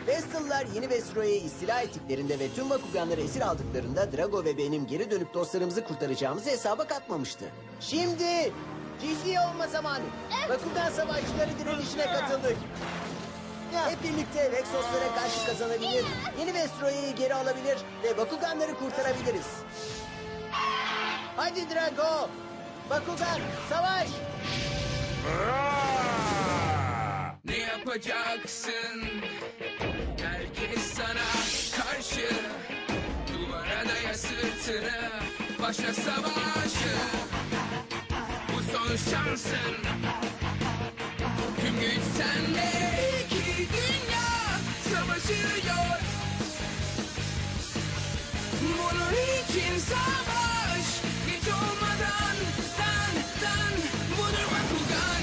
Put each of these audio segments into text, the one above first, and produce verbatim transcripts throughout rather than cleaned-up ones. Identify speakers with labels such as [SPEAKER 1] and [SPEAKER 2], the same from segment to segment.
[SPEAKER 1] Vestal'lar yeni Vestroya'yı istila ettiklerinde ve tüm Bakuganları esir aldıklarında Drago ve benim geri dönüp dostlarımızı kurtaracağımızı hesaba katmamıştı. Şimdi ciddi olma zamanı. Bakugan savaşçıları direnişine katıldık. Hep birlikte Vexoslara karşı kazanabilir, yeni Vestroya'yı geri alabilir ve Bakuganları kurtarabiliriz. Hadi Drago! Bakugan, savaş!
[SPEAKER 2] Ne yapacaksın? Herkes sana karşı. Duvara daya sırtını. Başla savaşı. Bu son şansın. Tüm güç sende. İki dünya savaşıyor. Bunun için savaş. Geç olmadan dan dan. Budur Bakugan.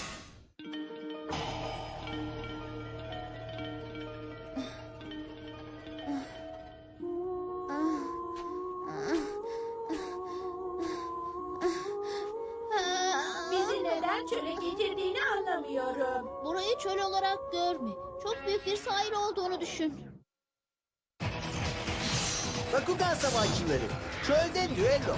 [SPEAKER 3] Bizi neden çöle getirdiğini anlamıyorum.
[SPEAKER 4] Burayı çöl olarak görme. Çok büyük bir sahil olduğunu düşün.
[SPEAKER 1] Bakugan savaşçıları, çölde düello.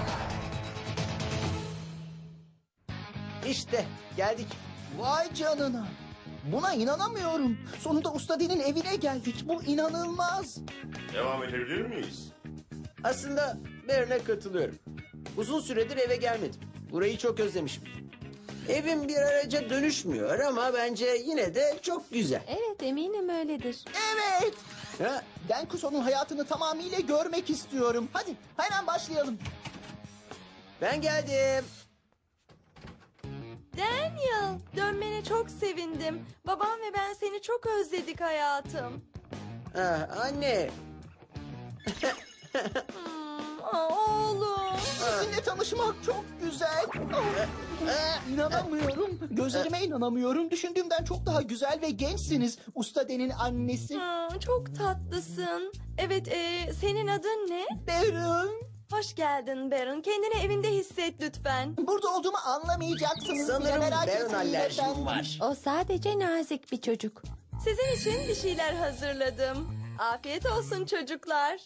[SPEAKER 1] İşte geldik.
[SPEAKER 5] Vay canına. Buna inanamıyorum. Sonunda Usta Den'in evine geldik. Bu inanılmaz.
[SPEAKER 6] Devam edebilir miyiz?
[SPEAKER 1] Aslında Baron'a katılıyorum. Uzun süredir eve gelmedim. Burayı çok özlemişim. Evim bir araca dönüşmüyor ama bence yine de çok güzel.
[SPEAKER 7] Evet, eminim öyledir.
[SPEAKER 5] Evet.
[SPEAKER 1] Ha?
[SPEAKER 5] Denkuso'nun hayatını tamamıyla görmek istiyorum. Hadi hemen başlayalım.
[SPEAKER 1] Ben geldim.
[SPEAKER 7] Daniel, dönmene çok sevindim. Babam ve ben seni çok özledik hayatım.
[SPEAKER 1] Ah, anne.
[SPEAKER 7] Hmm, aa, oğlum.
[SPEAKER 5] Sizinle tanışmak çok güzel. Oh, İnanamıyorum. Gözlerime inanamıyorum. Düşündüğümden çok daha güzel ve gençsiniz. Usta Den'in annesi.
[SPEAKER 7] Hmm, çok tatlısın. Evet, e, senin adın ne?
[SPEAKER 5] Baron.
[SPEAKER 7] Hoş geldin Baron. Kendini evinde hisset lütfen.
[SPEAKER 5] Burada olduğumu anlamayacaksınız.
[SPEAKER 1] Sanırım
[SPEAKER 5] bile merak
[SPEAKER 1] Baron
[SPEAKER 5] etmeyin
[SPEAKER 1] alerjim
[SPEAKER 5] efendim.
[SPEAKER 1] var.
[SPEAKER 7] O sadece nazik bir çocuk. Sizin için bir şeyler hazırladım. Afiyet olsun çocuklar.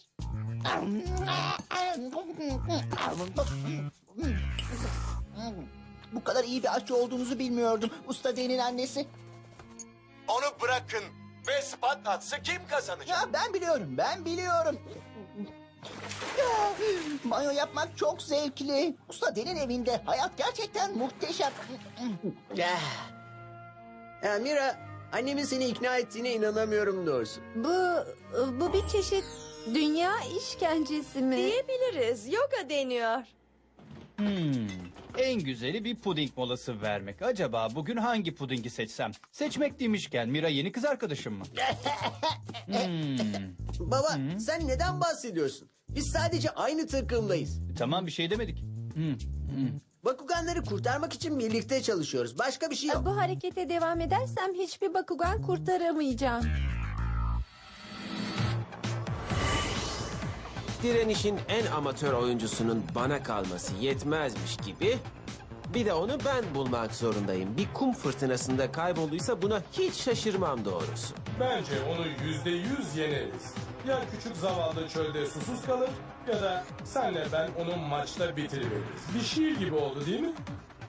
[SPEAKER 5] Bu kadar iyi bir aşçı olduğunuzu bilmiyordum. Usta Den'in annesi.
[SPEAKER 8] Onu bırakın. Ve spot atsa kim kazanacak?
[SPEAKER 5] Ya ben biliyorum, ben biliyorum. Ya, banyo yapmak çok zevkli. Usta Den'in evinde hayat gerçekten muhteşem.
[SPEAKER 1] Ya. Ya Mira, annemin seni ikna ettiğine inanamıyorum doğrusu.
[SPEAKER 7] Bu, bu bir çeşit dünya işkencesi mi? Diyebiliriz. Yoga deniyor.
[SPEAKER 9] Hmm, en güzeli bir puding molası vermek. Acaba bugün hangi pudingi seçsem? Seçmek demişken Mira yeni kız arkadaşım mı? Hmm,
[SPEAKER 1] Baba, sen neden bahsediyorsun? Biz sadece aynı takımdayız.
[SPEAKER 9] tamam bir şey demedik. Hmm, hmm.
[SPEAKER 1] Bakuganları kurtarmak için birlikte çalışıyoruz. Başka bir şey yok.
[SPEAKER 7] Bu harekete devam edersem hiçbir Bakugan kurtaramayacağım.
[SPEAKER 10] Direnişin en amatör oyuncusunun bana kalması yetmezmiş gibi... ...bir de onu ben bulmak zorundayım. Bir kum fırtınasında kaybolduysa buna hiç şaşırmam doğrusu.
[SPEAKER 6] Bence onu yüzde yüz yeneriz. Ya küçük zavallı çölde susuz kalır ya da senle ben onu maçta bitiririz. Bir şiir gibi oldu değil mi?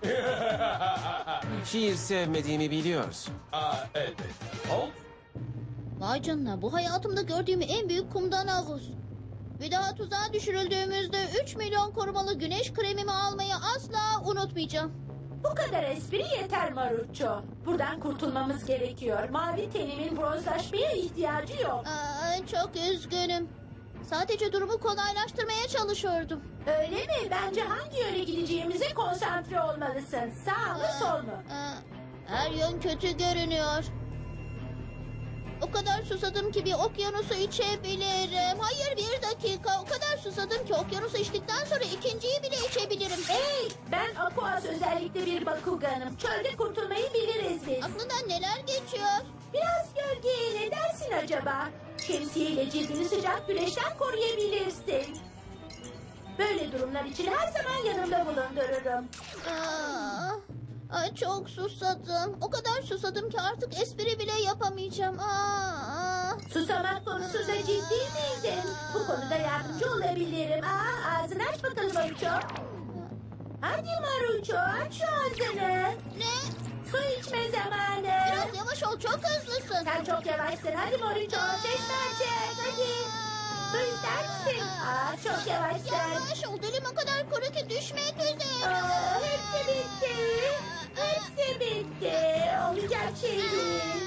[SPEAKER 10] Şiir sevmediğimi biliyorsun.
[SPEAKER 6] Aa evet. Ol.
[SPEAKER 4] Vay canına, bu hayatımda gördüğüm en büyük kumdan havuz. Bir daha tuzağa düşürüldüğümüzde üç milyon korumalı güneş kremimi almayı asla unutmayacağım.
[SPEAKER 3] Bu kadar espri yeter Marucho. Buradan kurtulmamız gerekiyor. Mavi tenimin bronzlaşmaya ihtiyacı yok.
[SPEAKER 4] Aa, çok üzgünüm. Sadece durumu kolaylaştırmaya çalışıyordum.
[SPEAKER 3] Öyle mi? Bence hangi yöne gideceğimize konsantre olmalısın. Sağ mı sol mu?
[SPEAKER 4] Aa, her yön kötü görünüyor. O kadar susadım ki bir okyanusu içebilirim. Hayır, bir dakika. O kadar susadım ki okyanusu içtikten sonra ikinciyi bile içebilirim.
[SPEAKER 3] Hey, ben Aquas özellikle bir Bakuganım. Çölde kurtulmayı biliriz biz.
[SPEAKER 4] Aklından neler geçiyor?
[SPEAKER 3] Biraz gölgeye ne dersin acaba? Şemsiyeyle cildini sıcak güneşten koruyabilirsin. Böyle durumlar için her zaman yanımda bulundururum.
[SPEAKER 4] Aa, ay çok susadım. O kadar susadım ki artık espri bile yapamayacağım. Aa, aa.
[SPEAKER 3] Susamak konusunda ciddi miydin? Bu konuda yardımcı olabilirim. Aa, ağzını aç bakalım Maruço. Hadi Maruço, aç şu ağzını.
[SPEAKER 4] Ne?
[SPEAKER 3] Su içme zamanı.
[SPEAKER 4] Biraz yavaş ol, çok hızlısın.
[SPEAKER 3] Sen çok yavaşsın. Hadi Maruço, çeşme çek. Hadi. Su ister misin? Aa, çok yavaşsın.
[SPEAKER 4] Yavaş ol, dilim o kadar kuru ki düşmek üzere.
[SPEAKER 3] Aa, hepsi bitti. Hepsi bitti. Olacak şey değil.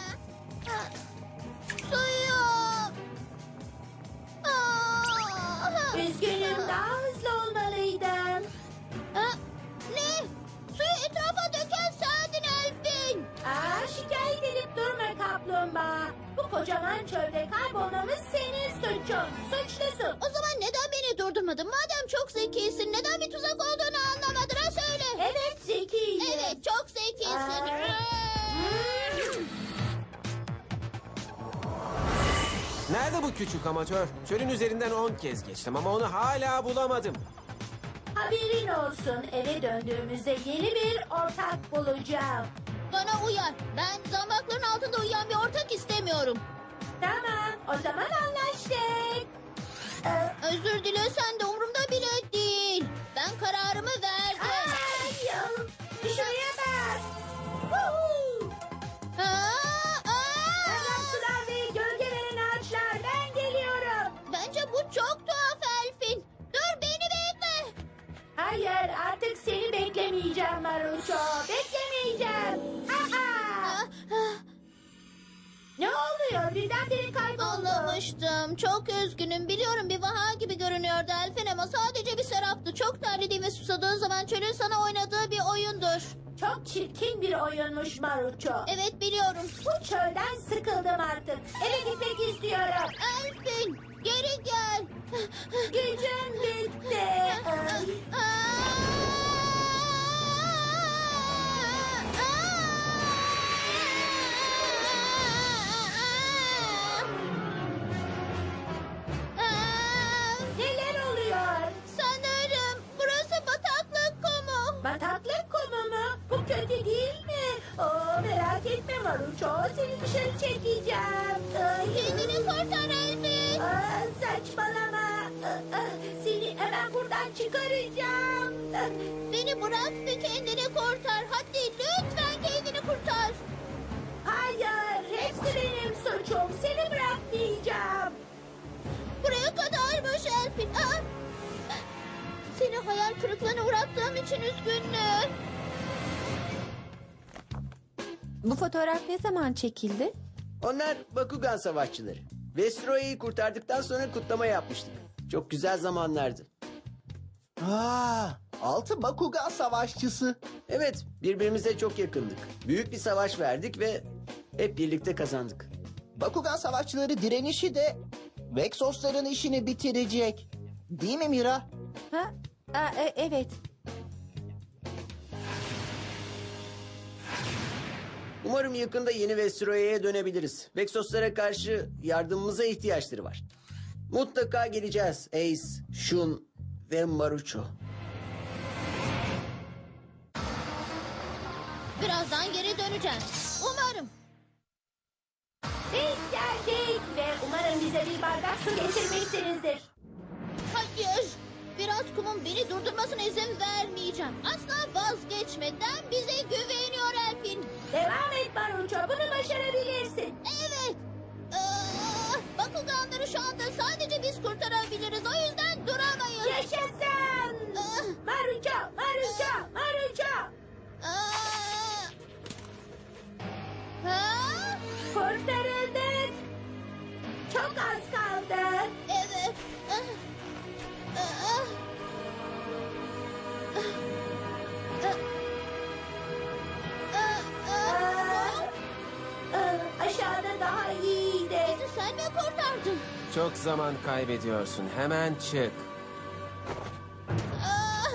[SPEAKER 4] Suyum. Aa!
[SPEAKER 3] Üzgünüm, daha hızlı olmalıydın.
[SPEAKER 4] Ha? Ne? Suyu etrafa döken sendin Elfin.
[SPEAKER 3] Aa, şikayet edip durma kaplumbağa. Bu kocaman çölde kaybolmamız senin suçun. Suçlusun.
[SPEAKER 4] O zaman neden beni durdurmadın? Madem çok zekisin, neden bir tuzak olduğunu anlamadın, ha söyle.
[SPEAKER 3] Evet, zekiyim.
[SPEAKER 4] Evet, çok zekisin.
[SPEAKER 3] Aa.
[SPEAKER 10] Nerede bu küçük amatör? Çölün üzerinden on kez geçtim ama onu hala bulamadım.
[SPEAKER 3] Haberin olsun, eve döndüğümüzde yeni bir ortak bulacağım.
[SPEAKER 4] Bana uyar. Ben zambakların altında uyuyan bir ortak istemiyorum.
[SPEAKER 3] Tamam, o zaman anlaştık. Ee,
[SPEAKER 4] Özür dilesen de umurumda bile değil. Ben kararımı verdim.
[SPEAKER 3] ay, ya, şuraya bak. Woohoo!
[SPEAKER 4] Aa, aa!
[SPEAKER 3] Berrak sular ve gölge veren ağaçlar, ben geliyorum.
[SPEAKER 4] Bence bu çok tuhaf Elfin. Dur, beni bekle.
[SPEAKER 3] Hayır, artık seni beklemeyeceğim Maruço. Beklemeyeceğim. Aa!
[SPEAKER 4] Ah, ah,
[SPEAKER 3] Ne oluyor? Birdenbire kayboldu.
[SPEAKER 4] Anlamıştım. Çok üzgünüm. Biliyorum bir vaha gibi görünüyordu Elfin ama sadece bir seraptı. Çok terlediğin ve susadığın zaman çölün sana oynadığı bir oyundur.
[SPEAKER 3] Çok çirkin bir oyunmuş Maruço.
[SPEAKER 4] Evet, biliyorum.
[SPEAKER 3] Bu çölden sıkıldım artık. Eve gitmek istiyorum.
[SPEAKER 4] Elfin, geri gel.
[SPEAKER 3] Gücüm bitti. Ay. Neler oluyor?
[SPEAKER 4] Sanırım burası bataklık kumu.
[SPEAKER 3] Bataklık kumu mu? Bu kötü değil mi? Oo, merak etme Maruço. Seni dışarı çekeceğim. Ay.
[SPEAKER 4] Kendini kurtar Elfin.
[SPEAKER 3] Aa, saçmalama. Aa, seni hemen buradan çıkaracağım.
[SPEAKER 4] Beni bırak ve kendini kurtar. Hadi lütfen kendini kurtar.
[SPEAKER 3] Hayır, hepsi benim suçum. Seni bırakmayacağım.
[SPEAKER 4] Buraya kadarmış Elfin. Aa! Seni hayal kırıklığına uğrattığım için üzgünüm.
[SPEAKER 7] Bu fotoğraf ne zaman çekildi?
[SPEAKER 1] Onlar Bakugan savaşçıları. Vestroya'yı kurtardıktan sonra kutlama yapmıştık. Çok güzel zamanlardı.
[SPEAKER 5] Aa, altı Bakugan savaşçısı.
[SPEAKER 1] Evet, birbirimize çok yakındık. Büyük bir savaş verdik ve hep birlikte kazandık.
[SPEAKER 5] Bakugan savaşçıları direnişi de Vexosların işini bitirecek. Değil mi Mira?
[SPEAKER 7] Ha? Aa, e- evet.
[SPEAKER 1] Umarım yakında yeni Vestroya'ya dönebiliriz. Vexoslara karşı yardımımıza ihtiyaçları var. Mutlaka geleceğiz Ace, Shun ve Maruço.
[SPEAKER 4] Birazdan geri döneceğim. Umarım.
[SPEAKER 3] Biz geldik ve umarım bize bir bardak su getirmişsinizdir.
[SPEAKER 4] Hayır. Biraz kumun beni durdurmasına izin vermeyeceğim. Asla vazgeçmeden bize güveniyor Elfin.
[SPEAKER 3] Devam et Maruço, bunu başarabilirsin.
[SPEAKER 4] Evet. Aa, Bakuganları şu anda sadece biz kurtarabiliriz. O yüzden duramayız.
[SPEAKER 3] Yaşasın!
[SPEAKER 4] Ah.
[SPEAKER 3] Maruço, Maruço, Maruço!
[SPEAKER 4] Aa. Ha?
[SPEAKER 3] Kurtarıldık. Çok az kaldı.
[SPEAKER 4] Evet. Ah. Ah. Ah. Ah. Ah.
[SPEAKER 3] Aa, aa, aşağıda daha iyiydi.
[SPEAKER 4] Bizi sen mi kurtardın?
[SPEAKER 10] Çok zaman kaybediyorsun. Hemen çık.
[SPEAKER 4] Ah.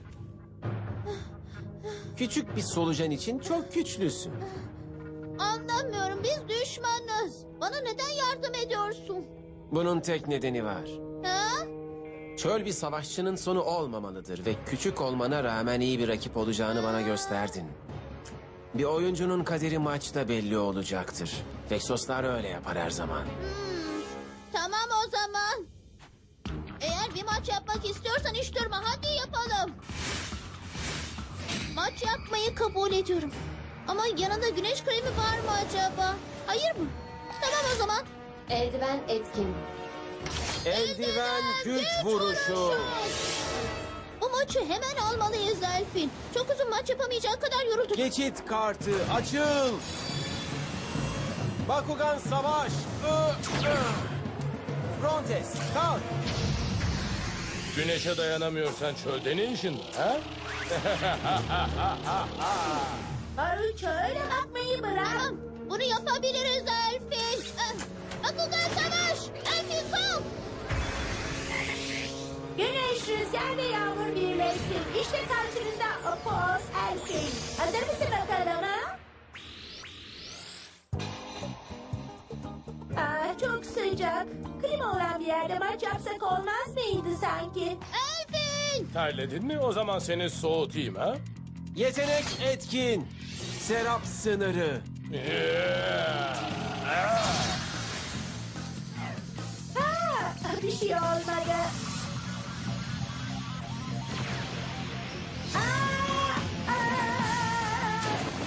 [SPEAKER 10] Küçük bir solucan için çok güçlüsün.
[SPEAKER 4] Anlamıyorum, biz düşmanız. Bana neden yardım ediyorsun?
[SPEAKER 10] Bunun tek nedeni var.
[SPEAKER 4] Ha?
[SPEAKER 10] Çöl bir savaşçının sonu olmamalıdır ve küçük olmana rağmen iyi bir rakip olacağını bana gösterdin. Bir oyuncunun kaderi maçta belli olacaktır. Vexoslar öyle yapar her zaman.
[SPEAKER 4] Hmm, tamam o zaman. Eğer bir maç yapmak istiyorsan hiç durma. Hadi yapalım. Maç yapmayı kabul ediyorum. Ama yanında güneş kremi var mı acaba? Hayır mı? Tamam o zaman.
[SPEAKER 11] Eldiven etkin.
[SPEAKER 10] Eldiven güç vuruşu.
[SPEAKER 4] Bu maçı hemen almalıyız Elfin. Çok uzun maç yapamayacak kadar yorulduk.
[SPEAKER 10] Geçit kartı açıl. Bakugan savaş. Ö, ö. Frontes kalk.
[SPEAKER 6] Güneşe dayanamıyorsan çölde ne işin var ha?
[SPEAKER 3] Maruço öyle bakmayı bırak.
[SPEAKER 4] Tamam, bunu yapabiliriz Elfin. Ah, Bakugan savaş. Elfin kalk.
[SPEAKER 3] Güneş, rüzgar ve yağmur birleşsin. İşte karşınızda Opos Elfin. Hazır mısın bakalım ha? Aa, çok sıcak. Klima olan bir yerde maç yapsak olmaz mıydı sanki?
[SPEAKER 4] Elfin.
[SPEAKER 6] Terledin mi? O zaman seni soğutayım ha?
[SPEAKER 10] Yetenek etkin. Serap sınırı.
[SPEAKER 3] Ha, bir şey olmadı. Aa, aa.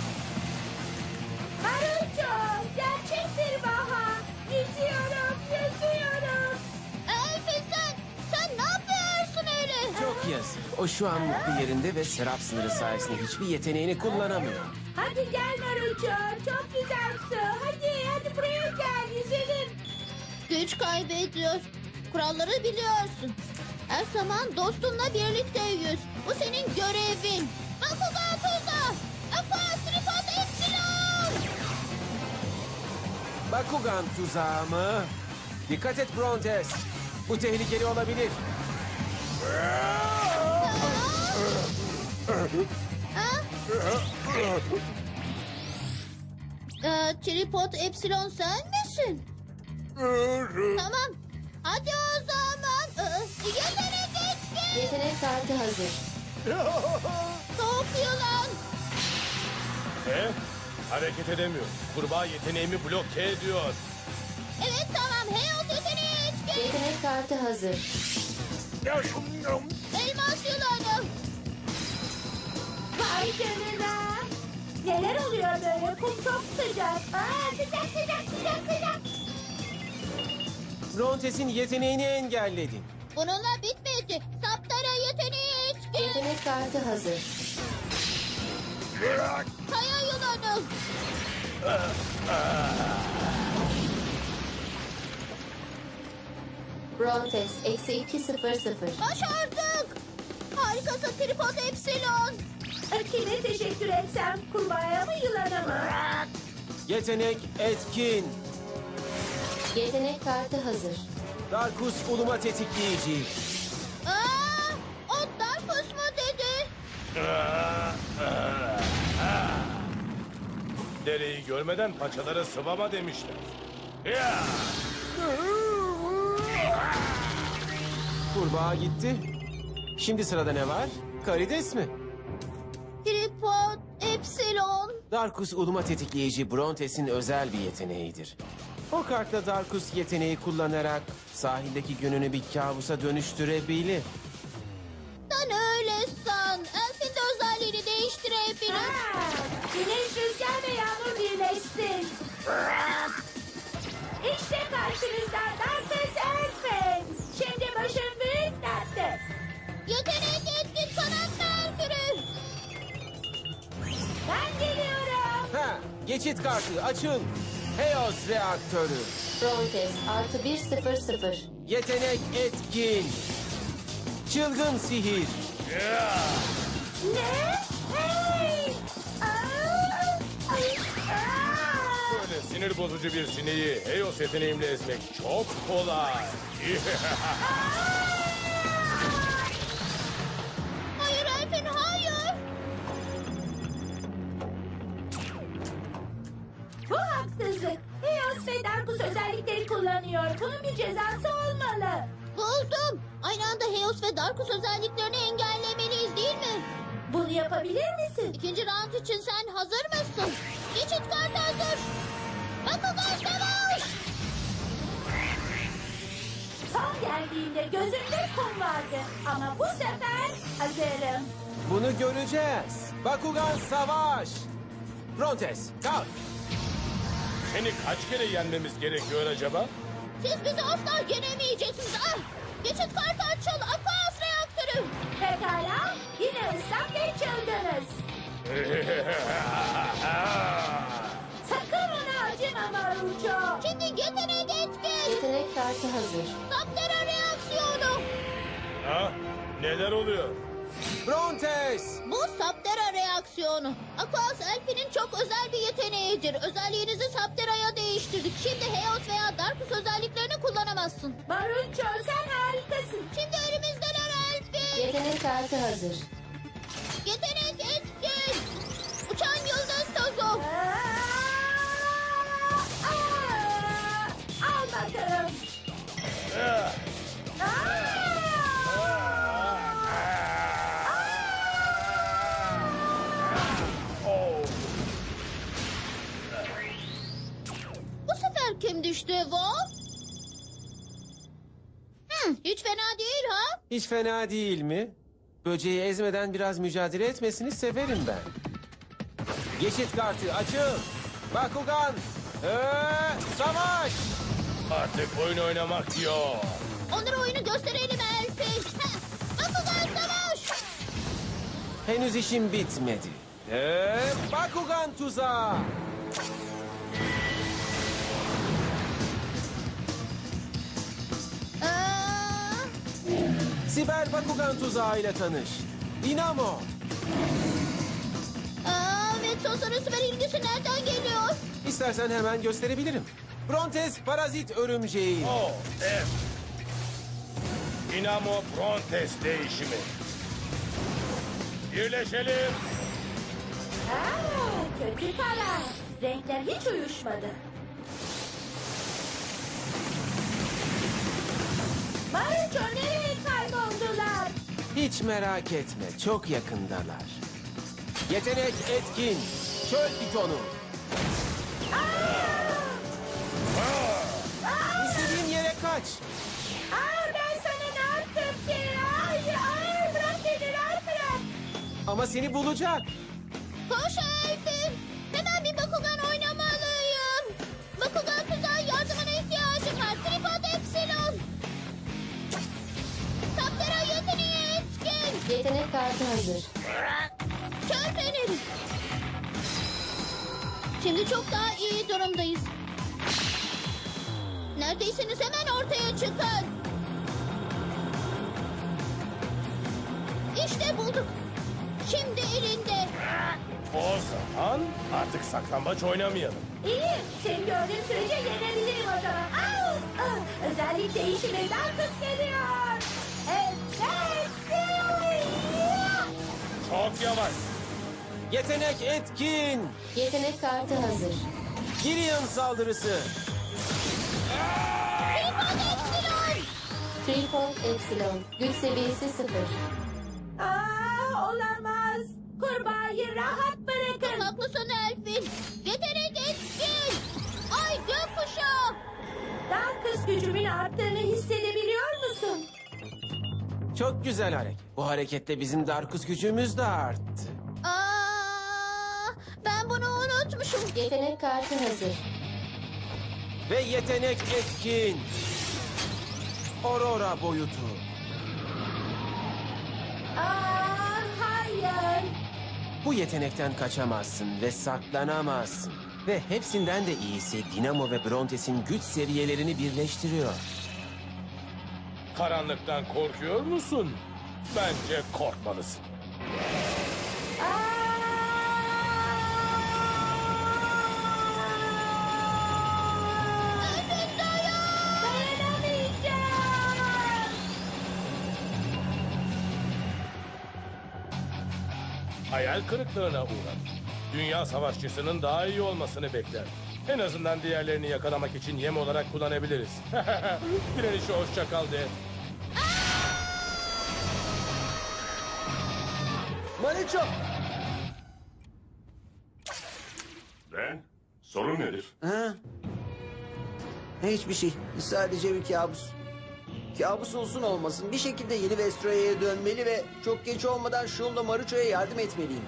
[SPEAKER 3] Maruço, gerçek bir baha. Yüzüyorum, yüzüyorum.
[SPEAKER 4] Elfin sen. Sen ne yapıyorsun öyle?
[SPEAKER 10] Çok yazık. O şu an mutlu yerinde ve serap sınırı sayesinde hiçbir yeteneğini kullanamıyor.
[SPEAKER 3] Hadi gel Maruço, çok güzel su. Hadi, hadi buraya gel, yüzelim.
[SPEAKER 4] Güç kaybediyor. Kuralları biliyorsun. Her zaman dostunla birlikte yüz. Bu senin görevin. Bakugan tuza. Aqua tripod epsilon.
[SPEAKER 10] Bakugan tuzağı mı? Dikkat et Brontes. Bu tehlikeli olabilir.
[SPEAKER 4] Ha? Ee, tripod epsilon sen misin? Tamam. Hadi o zaman. Ee, yetenek etkin.
[SPEAKER 11] Yetenek kartı hazır.
[SPEAKER 4] Soğuk yılan.
[SPEAKER 6] Ne? Hareket edemiyor. Kurbağa yeteneğimi bloke ediyor.
[SPEAKER 4] Evet tamam. Heos yeteneği etkin.
[SPEAKER 11] Yetenek kartı hazır.
[SPEAKER 4] Elmas yılanı.
[SPEAKER 3] Vay canına. Neler oluyor böyle? Kum çok sıcak. Aa, sıcak sıcak sıcak sıcak.
[SPEAKER 10] Brontes'in yeteneğini engelledin.
[SPEAKER 4] Bununla bitmedi. Saptara yeteneği etkin.
[SPEAKER 11] Yetenek kartı hazır.
[SPEAKER 4] Kaya yılanı.
[SPEAKER 11] Brontes eksi iki sıfır sıfır.
[SPEAKER 4] Başardık. Harikasın tripod epsilon.
[SPEAKER 3] Kime teşekkür etsem? Kurbağaya mı yılana mı?
[SPEAKER 10] Yetenek etkin.
[SPEAKER 11] Yetenek kartı hazır.
[SPEAKER 10] Darkus uluma tetikleyici.
[SPEAKER 4] Aa, o Darkus mu dedi?
[SPEAKER 6] Dereyi görmeden paçalara sıvama demişler. Ya!
[SPEAKER 10] Kurbağa gitti. Şimdi sırada ne var? Karides mi?
[SPEAKER 4] Tripod epsilon.
[SPEAKER 10] Darkus uluma tetikleyici Brontes'in özel bir yeteneğidir. O kartla Darkus yeteneği kullanarak sahildeki gününü bir kabusa dönüştürebilir.
[SPEAKER 4] Sen öyle san. Elfin de özelliğini değiştirebilir.
[SPEAKER 3] Ha, güneş, rüzgar ve yağmur birleşsin. İşte karşınızda Darkus Elfin. Şimdi başım büyük dertte.
[SPEAKER 4] Yetenek etkin kanat merkürü.
[SPEAKER 3] Ben geliyorum.
[SPEAKER 10] Ha, geçit kartı açın. Heos reaktörü.
[SPEAKER 11] Brontes artı bir sıfır sıfır.
[SPEAKER 10] Yetenek etkin. Çılgın sihir.
[SPEAKER 3] Ne? Hey! Aa! Ay! Aa!
[SPEAKER 6] Böyle sinir bozucu bir sineği Heos yeteneğimle ezmek çok kolay.
[SPEAKER 4] Hayır Elfin hayır.
[SPEAKER 3] Bu haksızlık. Eos ve Darkus özellikleri kullanıyor. Bunun bir cezası olmalı.
[SPEAKER 4] Buldum. Aynı anda Heos ve Darkus özelliklerini engellemeliyiz değil mi?
[SPEAKER 3] Bunu yapabilir misin?
[SPEAKER 4] İkinci round için sen hazır mısın? Geçit kartı hazır. Bakugan savaş!
[SPEAKER 3] Son geldiğimde gözümde kum vardı. Ama bu sefer hazırım.
[SPEAKER 10] Bunu göreceğiz. Bakugan savaş. Brontes, kalk.
[SPEAKER 6] Seni kaç kere yenmemiz gerekiyor acaba?
[SPEAKER 4] Siz bizi asla yenemeyeceksiniz. Ah! Geçit kartı açıl. Aquas reaktörü.
[SPEAKER 3] Pekala. Yine ıslak ve çıldınız. Sakın ona acıma Maruço.
[SPEAKER 4] Şimdi yetenek etkin.
[SPEAKER 11] Yetenek kartı hazır.
[SPEAKER 4] Saptera reaksiyonu.
[SPEAKER 6] Ha? Neler oluyor?
[SPEAKER 10] Brontes.
[SPEAKER 4] Bu Saptera reaksiyonu. Aquas Elfi'nin çok özel bir yeteneğidir. Özelliğinizi Saptera'ya değiştirdik. Şimdi Heos veya Darkus özelliklerini kullanamazsın.
[SPEAKER 3] Maruço sen harikasın.
[SPEAKER 4] Şimdi elimizdeler Elfi.
[SPEAKER 11] Yetenek kartı hazır.
[SPEAKER 4] Yetenek etkin. Uçan yıldız tozu.
[SPEAKER 3] Aa, aa, al bakalım. Aa,
[SPEAKER 4] Bu sefer kim düştü Vo? Hmm, hiç fena değil ha?
[SPEAKER 10] Hiç fena değil mi? Böceği ezmeden biraz mücadele etmesini severim ben. Geçit kartı açıl. Bakugan. Ee, savaş.
[SPEAKER 6] Artık oyun oynamak yok.
[SPEAKER 4] Onlara oyunu gösterelim Elfi. Heh, Bakugan savaş.
[SPEAKER 10] Henüz işim bitmedi. Ee, Bakugan tuzağı.
[SPEAKER 4] Aa,
[SPEAKER 10] Siber Bakugan tuzağıyla tanış. Dinamo.
[SPEAKER 4] aa, ve Tosar'ın süper ilgisi nereden geliyor?
[SPEAKER 10] İstersen hemen gösterebilirim. Brontes parazit örümceği.
[SPEAKER 6] Oh, evet. Dinamo Brontes değişimi. Birleşelim.
[SPEAKER 3] aa, kötü karar. Renkler hiç uyuşmadı. Maruço nereye kayboldular?
[SPEAKER 10] Hiç merak etme, çok yakındalar. Yetenek etkin. Çöl pitonu. İstediğin yere kaç.
[SPEAKER 3] Aa, ben sana ne yaptım ki? Ay, ay, bırak beni, rahat bırak.
[SPEAKER 10] Ama seni bulacak.
[SPEAKER 4] Koş Elfi. Hemen bir Bakugan oynamalıyım. Bakugan tuzağı yardımına ihtiyacım var. Tripod Epsilon. Saptera yeteneği etkin.
[SPEAKER 11] Yetenek kartı hazır.
[SPEAKER 4] Çöl feneri. Şimdi çok daha iyi durumdayız. Neredeyseniz hemen ortaya çıkın. İşte bulduk. Şimdi elinde.
[SPEAKER 6] O zaman artık saklambaç oynamayalım.
[SPEAKER 3] İyi, seni gördüğüm sürece yenebilirim o zaman. Au, ah, özellik değişiminden kız geliyor. Evet,
[SPEAKER 6] Çok yavaş.
[SPEAKER 10] Yetenek etkin.
[SPEAKER 11] Yetenek kartı hazır.
[SPEAKER 10] Girion saldırısı.
[SPEAKER 4] Tripod Epsilon.
[SPEAKER 11] Tripod Epsilon. Güç seviyesi sıfır.
[SPEAKER 3] Aa, olamaz. Kurbağayı rahat bırakın.
[SPEAKER 4] Haklısın Elfin. Yetenek etkin. Ay gökkuşağı.
[SPEAKER 3] Daha kız gücümün arttığını hissedebiliyor musun?
[SPEAKER 10] Çok güzel hareket. Bu hareketle bizim Darkus gücümüz de arttı.
[SPEAKER 4] Aa, ben bunu unutmuşum.
[SPEAKER 11] Yetenek kartı hazır.
[SPEAKER 10] Ve yetenek etkin. Aurora boyutu.
[SPEAKER 3] Aa, hayır.
[SPEAKER 10] Bu yetenekten kaçamazsın ve saklanamazsın. Ve hepsinden de iyisi Dinamo ve Brontes'in güç seviyelerini birleştiriyor.
[SPEAKER 6] Karanlıktan korkuyor musun? Bence korkmalısın.
[SPEAKER 4] Elfin dayan.
[SPEAKER 3] Dayanamayacağım.
[SPEAKER 6] Hayal kırıklığına uğradı. Dünya savaşçısının daha iyi olmasını bekler. En azından diğerlerini yakalamak için yem olarak kullanabiliriz. Direnişe hoşça kal de.
[SPEAKER 1] Maruço!
[SPEAKER 8] Ben? Sorun nedir?
[SPEAKER 1] Ha? Hiçbir şey. Sadece bir kabus. Kabus olsun olmasın bir şekilde yeni Vestroya'ya dönmeli ve çok geç olmadan Shun'la Maruço'ya yardım etmeliyim.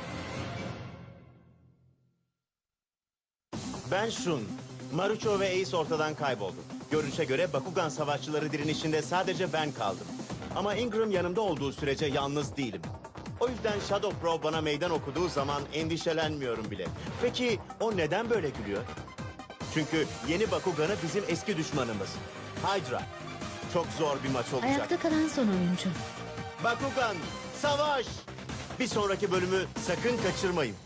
[SPEAKER 12] Ben Shun. Marucho ve Ace ortadan kayboldu. Görünüşe göre Bakugan savaşçıları direnişinde sadece ben kaldım. Ama Ingram yanımda olduğu sürece yalnız değilim. O yüzden Shadow Pro bana meydan okuduğu zaman endişelenmiyorum bile. Peki o neden böyle gülüyor? Çünkü yeni Bakugan'ı bizim eski düşmanımız. Hydra. Çok zor bir maç olacak.
[SPEAKER 13] Ayakta kalan son oyuncu.
[SPEAKER 12] Bakugan, savaş! Bir sonraki bölümü sakın kaçırmayın.